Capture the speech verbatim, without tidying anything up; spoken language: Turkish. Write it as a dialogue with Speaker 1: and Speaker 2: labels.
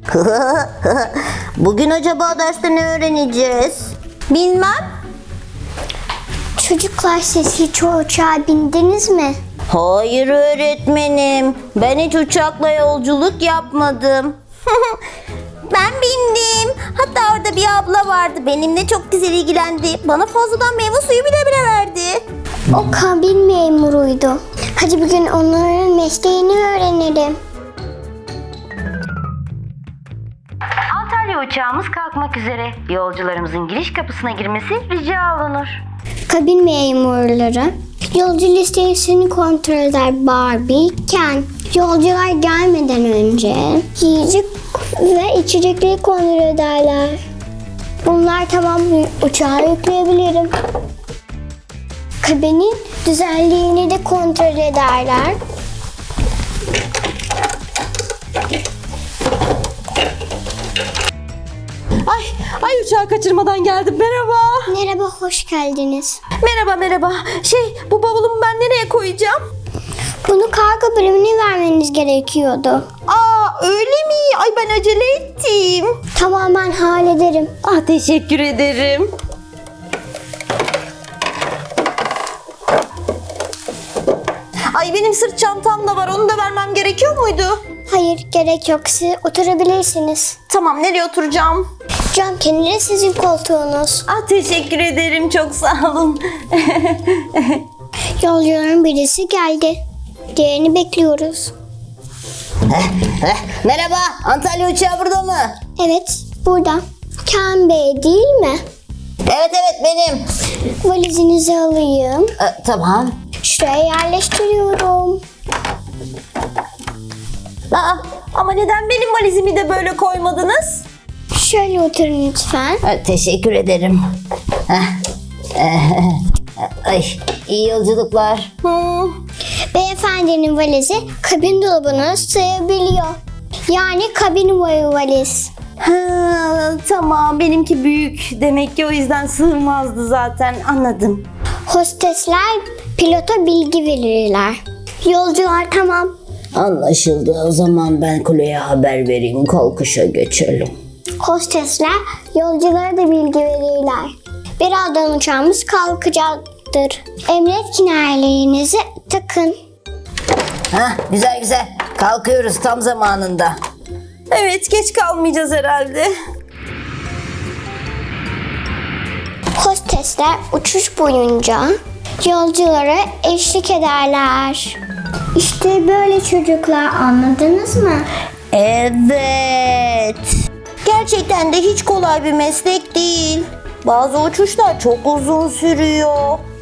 Speaker 1: Bugün acaba derste ne öğreneceğiz?
Speaker 2: Bilmem.
Speaker 3: Çocuklar, siz hiç o uçağa bindiniz mi?
Speaker 1: Hayır öğretmenim. Ben hiç uçakla yolculuk yapmadım.
Speaker 2: Ben bindim. Hatta orada bir abla vardı. Benimle çok güzel ilgilendi. Bana fazladan meyve suyu bile bile verdi.
Speaker 3: O kabin memuruydu. Hadi bugün onların mesleğini öğrenelim.
Speaker 4: Antalya uçağımız kalkmak üzere. Yolcularımızın giriş kapısına girmesi rica olunur.
Speaker 3: Kabin memurları yolcu listesini kontrol eder. Barbie, Ken. Yolcular gelmeden önce yiyecek ve içecekleri kontrol ederler. Bunlar tamam, uçağa yükleyebilirim. Kabinin güzelliğini de kontrol ederler.
Speaker 2: Ay, ay uçağı kaçırmadan geldim. Merhaba.
Speaker 3: Merhaba, hoş geldiniz.
Speaker 2: Merhaba merhaba. Şey, bu bavulumu ben nereye koyacağım?
Speaker 3: Bunu kargo bölümüne vermeniz gerekiyordu.
Speaker 2: Aa, öyle mi? Ay ben acele ettim.
Speaker 3: Tamamen hallederim.
Speaker 2: Ah, teşekkür ederim. Ay benim sırt çantam da var. Onu da vermem gerekiyor muydu?
Speaker 3: Hayır, gerek yok. Siz oturabilirsiniz.
Speaker 2: Tamam, nereye oturacağım?
Speaker 3: Cam kenarı sizin koltuğunuz.
Speaker 2: Ah, teşekkür ederim. Çok sağ olun.
Speaker 3: Yolcuların birisi geldi. Diğerini bekliyoruz.
Speaker 1: Merhaba, Antalya uçağı burada mı?
Speaker 3: Evet, burada. Ken Bey değil mi?
Speaker 1: Evet evet benim.
Speaker 3: Valizinizi alayım.
Speaker 1: Ee, tamam.
Speaker 3: Şuraya yerleştiriyorum.
Speaker 2: Aa, ama neden benim valizimi de böyle koymadınız?
Speaker 3: Şöyle oturun lütfen.
Speaker 1: Ee, teşekkür ederim. Heh. Ee, Ay, iyi yolculuklar.
Speaker 2: Hmm.
Speaker 3: Beyefendinin valizi kabin dolabına sığabiliyor. Yani kabin boyu valiz.
Speaker 2: Ha, tamam, benimki büyük. Demek ki o yüzden sığmazdı zaten. Anladım.
Speaker 3: Hostesler pilota bilgi verirler. Yolcular tamam.
Speaker 1: Anlaşıldı. O zaman ben kuleye haber vereyim. Kalkışa geçelim.
Speaker 3: Hostesler yolculara da bilgi verirler. Birazdan uçağımız kalkacaktır. Emniyet kemerlerinizi takın.
Speaker 1: Hah, güzel güzel. Kalkıyoruz tam zamanında.
Speaker 2: Evet, geç kalmayacağız herhalde.
Speaker 3: Hostesler uçuş boyunca yolculara eşlik ederler. İşte böyle çocuklar, anladınız mı?
Speaker 1: Evet.
Speaker 2: Gerçekten de hiç kolay bir meslek değil. Bazı uçuşlar çok uzun sürüyor.